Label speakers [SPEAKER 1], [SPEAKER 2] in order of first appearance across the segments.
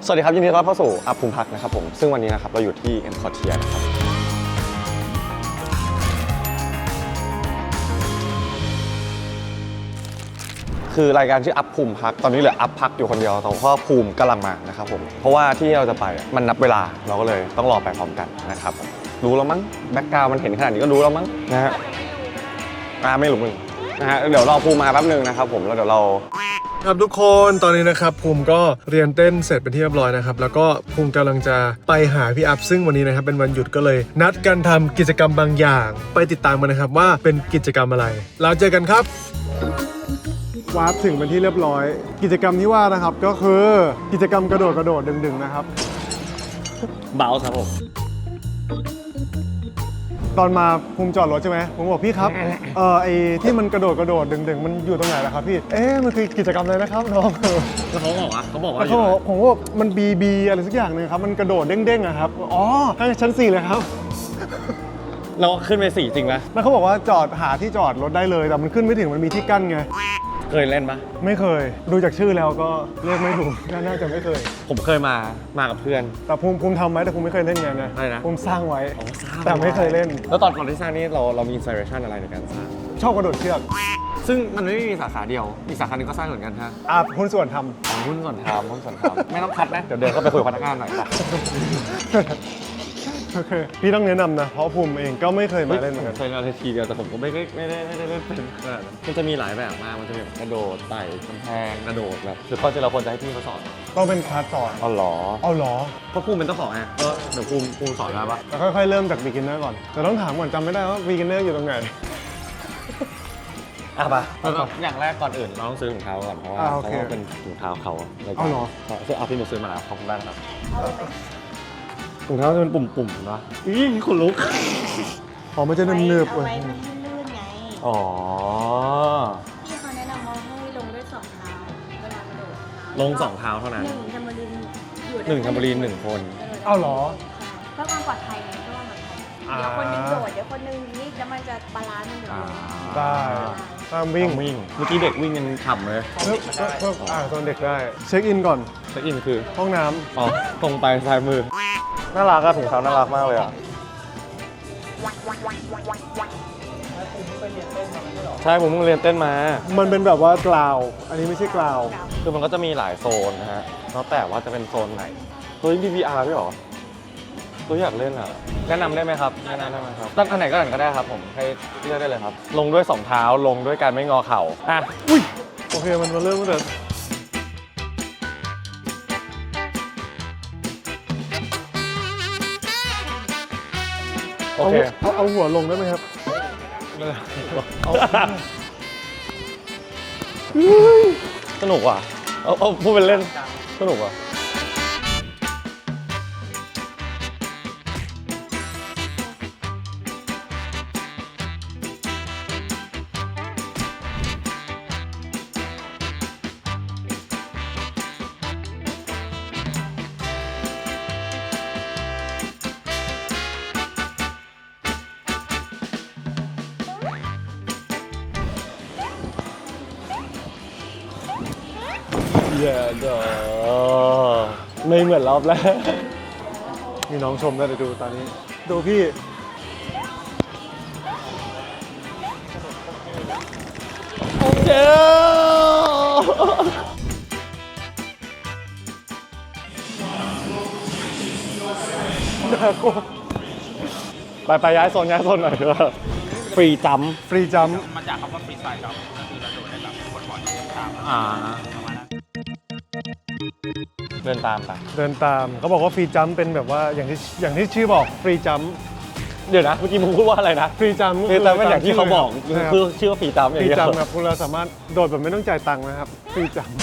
[SPEAKER 1] สวัสดีครับยินดีต้อนรับเข้าสู่อัพภูมิพักนะครับผมซึ่งวันนี้นะครับเราอยู่ที่เอ็มคอร์เทียนะครับคือรายการชื่ออัพภูมิพักตอนนี้เหลืออัพพักอยู่คนเดียวแต่ว่าภูมิกำลังมานะครับผมเพราะว่าที่เราจะไปมันนับเวลาเราก็เลยต้องรอไปพร้อมกันนะครับรู้แล้วมั้งแบ็คกราวด์มันเห็นขนาดนี้ก็รู้แล้วมั้งนะฮะไม่รู้มึงนะฮะเดี๋ยวรอภูมิมาแป๊บนึงนะครับผมแล้วเดี๋ยวเรา
[SPEAKER 2] ครับทุกคนตอนนี้นะครับภูมิก็เรียนเต้นเสร็จเป็นที่เรียบร้อยนะครับแล้วก็ภูมิกำลังจะไปหาพี่อัพซึ่งวันนี้นะครับเป็นวันหยุดก็เลยนัดกันทำกิจกรรมบางอย่างไปติดตามกันนะครับว่าเป็นกิจกรรมอะไรแล้วเจอกันครับวาร์ปถึงเป็นที่เรียบร้อยกิจกรรมที่ว่านะครับก็คือกิจกรรมกระโดดดึงๆนะครับ
[SPEAKER 1] เบาครับผม
[SPEAKER 2] ตอนมาภูมิจอดรถใช่ไหมผมบอกพี่ครับไอ้ที่มันกระโดดดึงมันอยู่ตรงไหนล่ะครับพี่มันคือกิจกรรมอะไรนะครับน้อง
[SPEAKER 1] แล้วเขาบอกว่า
[SPEAKER 2] ผมว่ามันบีอะไรสักอย่างนึงครับมันกระโดดเด้งๆอะครับอ๋อข้างชั้น4เลยครับ
[SPEAKER 1] เราขึ้นไป4จริงไหม
[SPEAKER 2] แล้วเขาบอกว่าจอดหาที่จอดรถได้เลยแต่มันขึ้นไม่ถึงมันมีที่กั้นไง
[SPEAKER 1] เคยเล่นปะ
[SPEAKER 2] ไม่เคยดูจากชื่อแล้วก็เรียกไม่ถูกน่าจะไม่เคย
[SPEAKER 1] ผมเคยมากับเพื่อน
[SPEAKER 2] แต่ภูมิทำไว้แต่ภูมิไม่เคยเล่นไงนะภูมิสร้างไว้แต่ไม่เคยเล่น
[SPEAKER 1] แล้วตอนที่สร้างนี่เรามีอินสปิเรชันอะไรในการสร้าง
[SPEAKER 2] ชอบกระโดดเชือก
[SPEAKER 1] ซึ่งมันไม่มีสาขาเดียวอีกสาขาหนึ่งก็สร้างเหมือนกันฮะ
[SPEAKER 2] หุ้นส่วนท
[SPEAKER 1] ำหุ้นส่วนทำไม่ต้องคัดนะเดี๋ยวเดินเข้าไปคุยกับพนักงานหน่อยจ้ะ
[SPEAKER 2] โอเคพี่ต้องแนะนำนะเพราะภูมิเองก็ไม่เคยมาเล่นเหมือนกัน
[SPEAKER 1] เคยมาทีเดียวแต่ผมก็ไม่ได้เล่นเป็นขนาดนั้นมันจะมีหลายแบบมากมันจะมีกระโดดไต่กำแพงกระโดดแบบคือข้อที่เราควรจะให้พี่เขาสอน
[SPEAKER 2] ต้องเป็นคลาสสอน
[SPEAKER 1] อ๋อเหรอ
[SPEAKER 2] เพรา
[SPEAKER 1] ะภูมิเป็นเจ้าของไงเดี๋ยวภูมิสอนได้ปะ
[SPEAKER 2] แล้วค่อยๆเริ่มจาก beginner ก่อนแต่ต้องถามก่อนจำไม่ได้ว่า beginner อยู่ตรงไหน
[SPEAKER 1] ป่ะอย่างแรกก่อนอื่นเราต้องซื้อถุงเท้าก่อนเพราะว่าเขาเป็นถุงเท้าเขาเลย
[SPEAKER 2] เอาเหรอ
[SPEAKER 1] เอาพี่หนูซื้อมาแล้วขอบคุณมากครับถุงเท้าจะเป็นปุ่มๆนะขนลุก
[SPEAKER 2] มันจะเนิบๆ
[SPEAKER 3] เอาไว้มันให้ลื่นไง
[SPEAKER 1] อ๋อ
[SPEAKER 3] ที่เขาแนะนำว่าให้ลงด้วย2 เท้าเวลากระโดด
[SPEAKER 1] ลง2 เท้าเท่านั้น
[SPEAKER 3] 1 แทมโบลีนอยู่
[SPEAKER 1] 1 แทมโบลีน 1 คน
[SPEAKER 2] เอาเหรอ
[SPEAKER 3] เพื่อความปลอดภัยไงเพื่อความปลอดภัยเดี๋ยวคนนึงโดดเดี๋ยวคนนึงนี่แล้วมันจะบาลานซ์มันอยู่
[SPEAKER 2] ได้ตามวิ่ง
[SPEAKER 1] เมื่อกี้เด็กวิ่งยังฉ่ำเลย
[SPEAKER 2] ตอนเด็กได้เช็คอินก่อน
[SPEAKER 1] เช็คอินคือ
[SPEAKER 2] ห้องน้ำ
[SPEAKER 1] ตรงไปซ้ายมือน่ารักอะถุงเท้าน่ารักมากเลยอะใช่ผมเพิ่งเรียนเต้นมา
[SPEAKER 2] มันเป็นแบบว่ากราวอันนี้ไม่ใช่กราว
[SPEAKER 1] คือมันก็จะมีหลายโซนนะฮะแล้วแต่ว่าจะเป็นโซนไหนตัวนี้ BBR พี่หรอตัวอยากเล่นอ่ะแนะนำได้ไหมครับตั้งอันไหนก็ได้ครับผมให้เลือกได้เลยครับลงด้วย2 เท้าลงด้วยการไม่งอเข่า
[SPEAKER 2] อุ้ยโอเคมันมาเริ่มตั้งแต่
[SPEAKER 1] โอเค
[SPEAKER 2] เอาหัวลงได้ไหมครับ
[SPEAKER 1] สนุกว่ะเอาพูดเป็นเล่นสนุกว่ะไม่เหมือนรอบแล้ว
[SPEAKER 2] มีน้องชมได้ดูตอนนี้ดูพี่
[SPEAKER 1] เจ้าไปย้ายโซนหน่อยเถอะฟรีจัม
[SPEAKER 2] มา
[SPEAKER 4] จากคำว่าฟรีสไตล์จัมก็คือเราโดดได้แบบบนบอร์ดที่ตาม
[SPEAKER 1] เดินตาม
[SPEAKER 2] เขาบอกว่าฟรีจัมเป็นแบบว่าอย่างที่ชื่อบอกฟรีจัม
[SPEAKER 1] เดี๋ยวนะเมื่อกี้มึงพูดว่าอะไรนะ
[SPEAKER 2] ฟรีจัม
[SPEAKER 1] เป็นอย่างที่เขาบอกคือชื่อว่าฟรีจัมอย่างเดียว
[SPEAKER 2] ฟรีจัมครับคุณเราสามารถโดดแบบไม่ต้องจ่ายตังค์นะครับฟรีจัม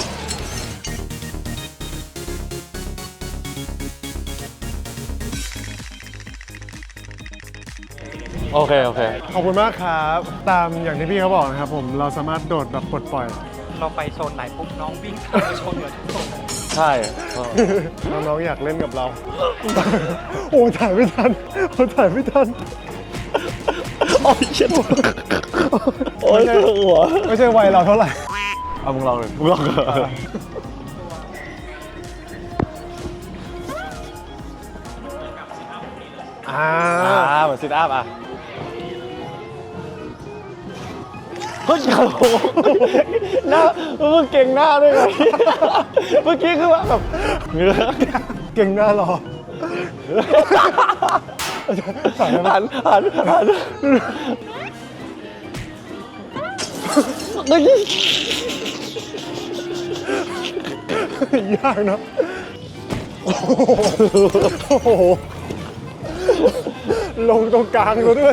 [SPEAKER 1] โอเค
[SPEAKER 2] ขอบคุณมากครับตามอย่างที่พี่เขาบอกนะครับผมเราสามารถโดดแบบปลดปล่อย
[SPEAKER 4] เราไปโซนไหนปุ๊บน้องวิ่งไปชนเหมือนทุกโซน
[SPEAKER 1] ใช่
[SPEAKER 2] น้องอยากเล่นกับเราโอ้ถ่ายไม่ทัน
[SPEAKER 1] โอ้ยเช็ดโอ้ยหัว
[SPEAKER 2] ไม่ใช่วัยเราเท่าไหร่
[SPEAKER 1] เอามึงลองเลยเหมือนซิทอัพอ่ะเฮ้ยโอ้โหหน้ามึงเก่งหน้าด้วยไงเมื่อกี้คือว่าแบบเงื้อ
[SPEAKER 2] เก่งหน้ารอ
[SPEAKER 1] หันเฮ้ย
[SPEAKER 2] ยากเนอะโอ้โหลงตรงกลางแล้วด้วย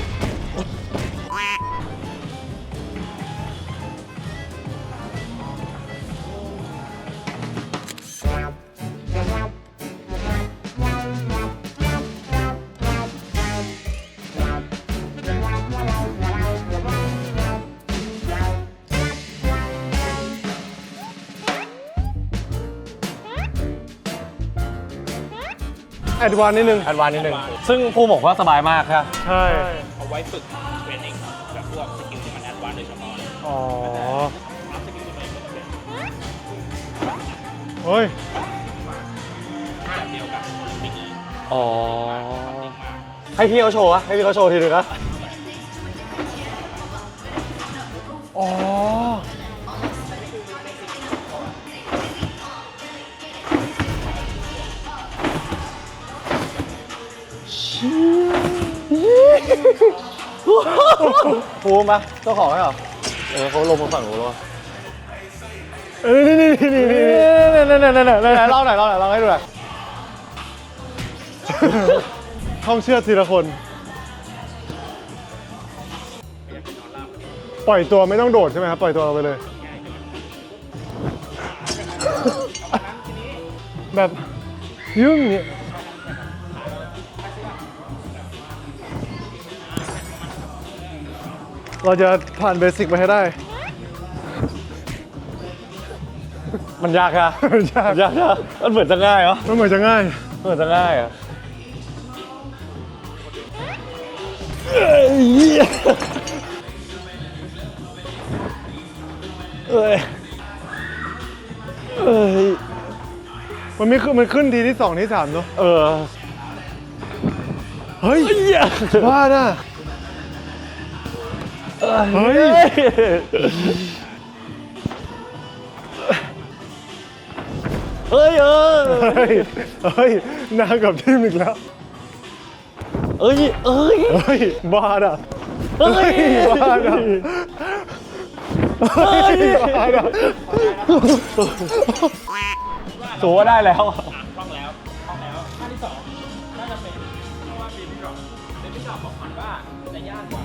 [SPEAKER 2] แอดวานซ์นิดนึง
[SPEAKER 1] แอดวานซ์นิดนึงซึ่งภูมิบอกว่าสบายมากครับ
[SPEAKER 2] ใช่
[SPEAKER 4] เอาไว้ฝึกเทรนนิ่งแบบพวกสกิลที่มันแอดวานซ์โดยเฉพาะ
[SPEAKER 2] อ๋อ
[SPEAKER 4] อัพสกิลตัวเองเป็น
[SPEAKER 2] เฮ้ย
[SPEAKER 4] แบบเดียวกับบิ๊กอี
[SPEAKER 1] อ๋อให้พี่เขาโชว์อะให้พี่เขาโชว์ทีนึงนะ
[SPEAKER 2] อ๋อ
[SPEAKER 1] ภูมิปะเจ้าของให้เหรอเขาลงมาฝั่งนู้นแล้ว
[SPEAKER 2] นี่
[SPEAKER 1] เล่าหน่อยเล่าให้ดูหน่อย
[SPEAKER 2] ท่องเชือกทีละคน ปล่อยตัวไม่ต้องโดดใช่ไหมครับ ปล่อยตัวเราไปเลย แบบยุ่งเนี่ยเราจะผ่านเบสิกไปให้ได้
[SPEAKER 1] มันยากอะ
[SPEAKER 2] ยาก
[SPEAKER 1] ยากนะมันเหมือนจะง่ายเหรอ
[SPEAKER 2] มันเหมือนจะง่าย
[SPEAKER 1] เหมือนจะง่ายอะเอ้ย
[SPEAKER 2] มันไม่ขึ้นมันขึ้นทีที่ 2 ที่ 3เนอะ เฮ้ยว่าน่ะเฮ้ย
[SPEAKER 1] เฮ้ย
[SPEAKER 2] เฮ้ยนางกับทีมอีกแล้ว เฮ้ยบ้าน่ะเฮ้ยบ้าน่ะเฮ้ยบ้าน่ะ
[SPEAKER 1] สูว่าได้แล้ว
[SPEAKER 4] คล่องแล้วท่าที่สองน่าจะเป็นเพราะว่าเบบี้ดรอปบอกก่อนว่าจะยากกว่า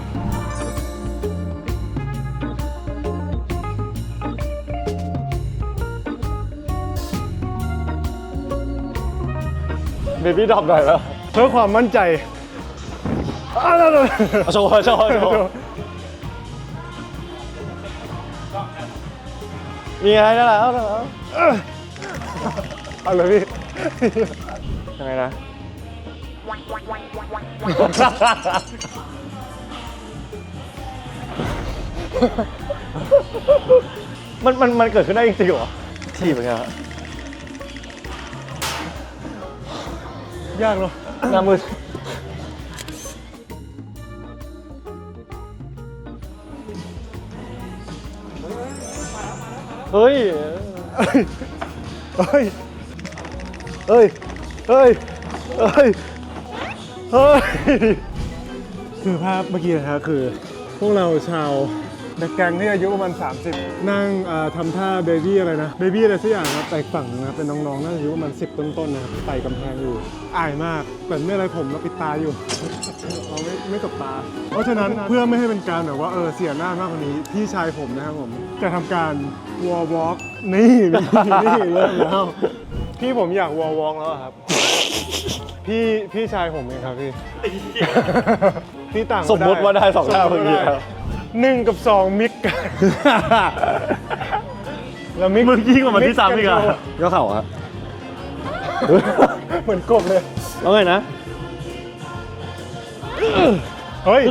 [SPEAKER 1] เบบี้ดรอปหน่อยแล้ว
[SPEAKER 2] เพื่อความมั่นใจ
[SPEAKER 1] โชว์มีไงได้แล้ว
[SPEAKER 2] เอาเลยพี่
[SPEAKER 1] ยังไงนะ มันเกิดขึ้นได้จริงๆเหรอทีบเป็นไงฮะ
[SPEAKER 2] ยากเนาะ
[SPEAKER 1] หน้ามืดเฮ้ย
[SPEAKER 2] คือภาพเมื่อกี้นะฮะคือพวกเราชาวนักแก๊งที่อายุประมาณ 30 นั่งทำท่าเบบี้อะไรนะ เบบี้อะไรสักอย่างครับแต่อีกฝั่งนึงนะเป็นน้องๆน่าจะอายุประมาณ10 ต้นๆนะครับไต่กำแพงอยู่อายมากแต่ไม่อะไรผมเราปิดตาอยู่ เราไม่ตบตา เพราะฉะนั้นเพื่อไม่ให้เป็นการแบบว่าเสียหน้ามากกว่านี้พี่ชายผมนะครับผมจะทำการวอลวอล์กนี่เริ่มแล้วพี่ผมอยากวอลวอล์กแล้วอะครับพี่ชายผมเองครับพี่ พี่ต่าง
[SPEAKER 1] สมมติว่าได้สองท่าเมื่อกี้ครับ
[SPEAKER 2] 1 กับ 2 มิกกัน แล้วมิก
[SPEAKER 1] มึงยิ่งกว่ามันที่ซ้ำอีกอ่ะก็เข่าอะ
[SPEAKER 2] เหมือนกบเลย
[SPEAKER 1] แล้วไงนะ
[SPEAKER 2] เฮ้ย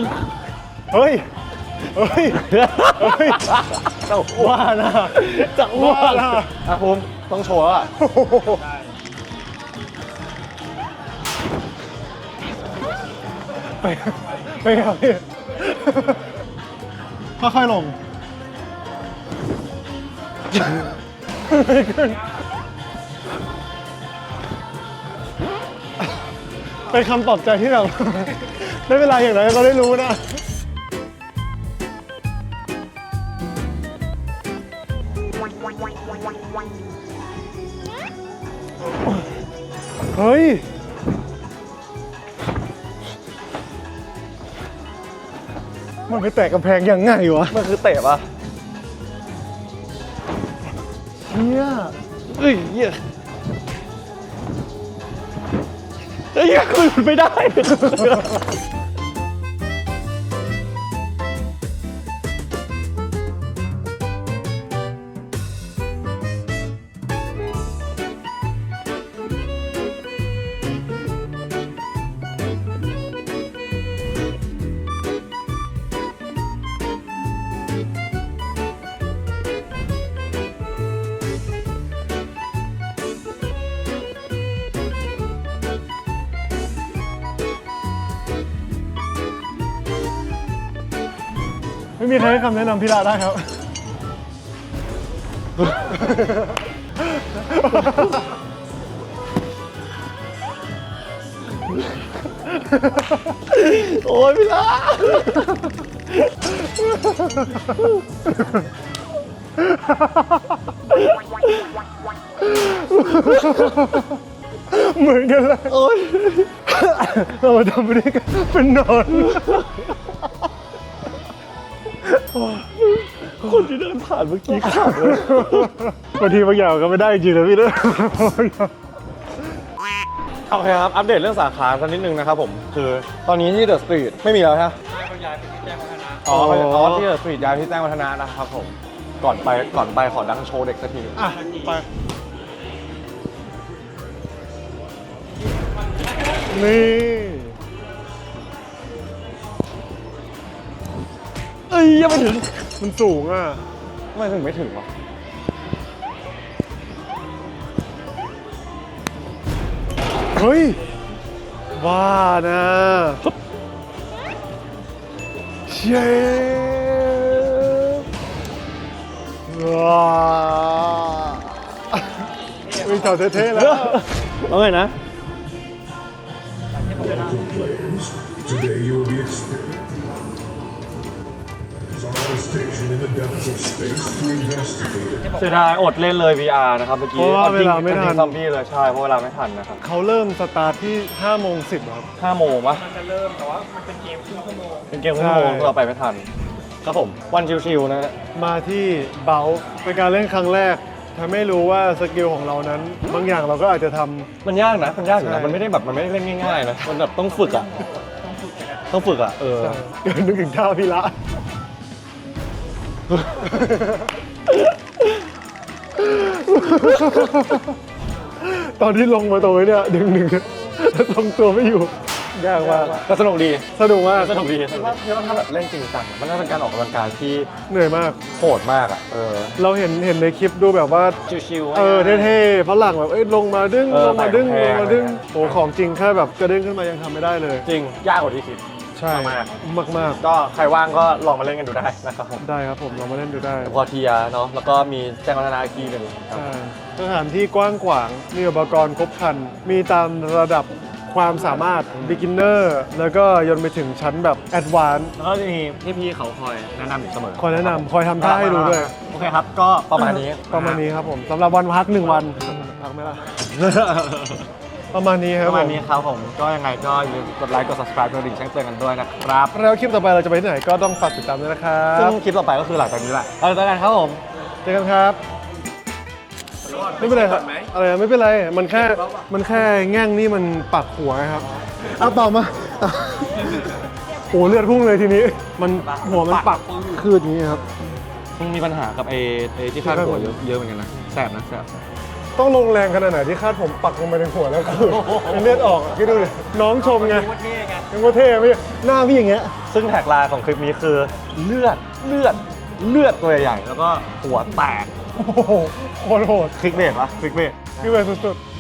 [SPEAKER 1] จะว่านะจะว่านะอ่ะภูมิต้องโชว์แล้วอ่ะ
[SPEAKER 2] ไปครับพี่ค่อยๆลงไม่ขึ้นเป็นคำปลอบใจที่แบบ ได้เวลาอย่างไรเราได้รู้นะ เฮ้ย มันไปแตะกำแพงยังไงวะ
[SPEAKER 1] มันคือเตะปะ
[SPEAKER 2] เฮีย
[SPEAKER 1] เฮ้ยเหี้ยเฮ้ยคุยมันไม่ได้
[SPEAKER 2] ไม่มีใครให้คำแนะนำพี่ละได้ครับ
[SPEAKER 1] โอ้ยพี่ละ
[SPEAKER 2] เหมือนกันเลย
[SPEAKER 1] โอ้ย
[SPEAKER 2] เรามาทำไปด้วยกันเป็นนอน
[SPEAKER 1] คนที่เดินผ่านเมื่อกี้ขาดเลย
[SPEAKER 2] บางทีบางอย่างก็ไม่ได้จริงนะพี่เด้อ
[SPEAKER 1] โอเคครับ อัปเดตเรื่องสาขาสักนิดนึงนะครับผม คือตอนนี้ที่เดอะสตรีทไม่มีแล้วใช่ไหม
[SPEAKER 4] ได้บางอย่างเป็นที่แจ้งวัฒนะ
[SPEAKER 1] อ๋อที่เดอะสตรีทย้ายที่แจ้งวัฒนะนะครับผม ก่อนไปขอดังโชว์เด็กสักที
[SPEAKER 2] อ่ะ ไป นี่
[SPEAKER 1] เอ้ยยังไม่ถึง
[SPEAKER 2] มันสูงอ่ะ
[SPEAKER 1] ทำไมถึงไม่ถึงวะ
[SPEAKER 2] เฮ้ยว่านะเชฟว้าวิ่งแถวเท่ๆแล้ว
[SPEAKER 1] เอาไงนะ
[SPEAKER 5] Today you will be experienced on a station in the depths of space to investigate it.
[SPEAKER 1] เสียดายอดเล่นเลย VR นะครับเมื่อกี้
[SPEAKER 2] เพราะว่าเวลาไม่ทัน
[SPEAKER 1] ซอมบี้เลยใช่เพราะเวลาไม่ทันนะครับ
[SPEAKER 2] เขาเริ่มสตาร์ทที่5:10ครับ
[SPEAKER 1] 5 โมงปะ
[SPEAKER 4] มันจะเริ่มแต่ว่ามันเป็นเกมครึ่งชั่วโมง
[SPEAKER 1] เป็นเกมครึ่งชั่วโมง
[SPEAKER 2] ใช่
[SPEAKER 1] เราไปไม่ทัน ครับผมวันชิวๆนะ
[SPEAKER 2] มาที่เบลเป็นการเล่นครั้งแรกทำให้รู้ว่าสกิลของเรานั้น บางอย่างเราก็อาจจะทำ
[SPEAKER 1] มันยากนะ มันยากอยู่
[SPEAKER 2] ใช่
[SPEAKER 1] นะ มันไม่ได้แบบมันไม่ได้เล่นง่ายๆนะ มันแบบต้องฝึกอ่ะ ต้องฝึกอ่ะ
[SPEAKER 2] เดี๋ยวนึกถึงท่าพี่ละ ตอนที่ลงมาตรงนี้เนี่ยดึงแล้วทรงตัวไม่อยู่ ยากมาก
[SPEAKER 1] ก็สนุกดี
[SPEAKER 2] สนุกมาก
[SPEAKER 1] สนุกดีว่าถ้าแบบเล่นจริงจังมันน่าเป็นการออกกำลังกายที่
[SPEAKER 2] เหนื่อยมาก
[SPEAKER 1] โหดมากอ่ะ
[SPEAKER 2] เราเห็นในคลิปดูแบบว่า
[SPEAKER 1] ชิวๆ
[SPEAKER 2] เท่ๆฝรั่งแบบลงมาดึง ลงมาดึง
[SPEAKER 1] แพ
[SPEAKER 2] ล
[SPEAKER 1] ง
[SPEAKER 2] ง
[SPEAKER 1] ๆ
[SPEAKER 2] มาดึง
[SPEAKER 1] อะไรเงี้ย
[SPEAKER 2] โอ้ของจริงแค่แบบกระเด้งขึ้นมายังทำไม่ได้เลย
[SPEAKER 1] จริง ยากกว่าที่คิด
[SPEAKER 2] ใช่
[SPEAKER 1] มาก
[SPEAKER 2] มาก
[SPEAKER 1] ก็ใครว่างก็ลองมาเล่นกันดูได้นะครับผม
[SPEAKER 2] ๆได้ครับผมเรามาเล่นดูได้
[SPEAKER 1] พอเทียเนาะ แล้วก็มีแจ้งวัฒนาอีกทีหนึ่งครับ
[SPEAKER 2] ใช่สถานที่กว้างขวาง มีอุปกรณ์ครบครัน มีตามระดับความสามารถ beginner แล้วก็ยนไปถึงชั้นแบบ advanced
[SPEAKER 1] แล้วก็จะมีพี่ๆเขาคอยแนะนำอยู่เสมอ
[SPEAKER 2] คอยแนะนำคอยทำท่าให้ดูด้วย
[SPEAKER 1] โอเคครับ ก็ประมาณนี้
[SPEAKER 2] ประมาณนี้ครับผมสำหรับวันพัก1 วันพักไหมล่ะ ประมาณนี้ค
[SPEAKER 1] ป
[SPEAKER 2] รับ
[SPEAKER 1] ระมาณ
[SPEAKER 2] ผม
[SPEAKER 1] นี้ครับผม ก็ยังไงก็อย่าลืมกดไลค์ กด subscribe กดกระดิ่งแจ้งเตือนกันด้วยนะครับ
[SPEAKER 2] แล้วคลิปต่อไปเราจะไปที่ไหนก็ต้องฝากติดตามด้วยนะครั
[SPEAKER 1] ซึ่
[SPEAKER 2] บ
[SPEAKER 1] งคลิปต่อไปก็คือหลังจากนี้แหละเราเจอกันครับผม
[SPEAKER 2] เจอกันครับ ไม่เป็นไรครับอะไรนะไม่เป็นไร มันแค่แง่งนี่มันปักหัวนะครับเอาต่อมาโอ้เลือดพุ่งเลยทีนี้ มันหัวมันปักคืดอย่างนี้ครับ
[SPEAKER 1] มึงมีปัญหากับไอ้ที่คาดหัวเยอะเหมือนกันนะ แสบนะแสบ
[SPEAKER 2] ต้องลงแรงขนาดไหนที่คาดผมปักลงไปในหัวแล้วคือเลือดออกอะคิดดูดิน้องชมไงยังว่าเท่ไม่หน้าพี่อย่างเงี้ย
[SPEAKER 1] ซึ่งแท็กไลน์ของคลิปนี้คือเลือดตัวใหญ่ๆแล้วก็หัวแตก
[SPEAKER 2] โอ้โหโคตรโหด
[SPEAKER 1] คลิกเบรกปะคลิกเบรก
[SPEAKER 2] พี่เวย์สุดๆ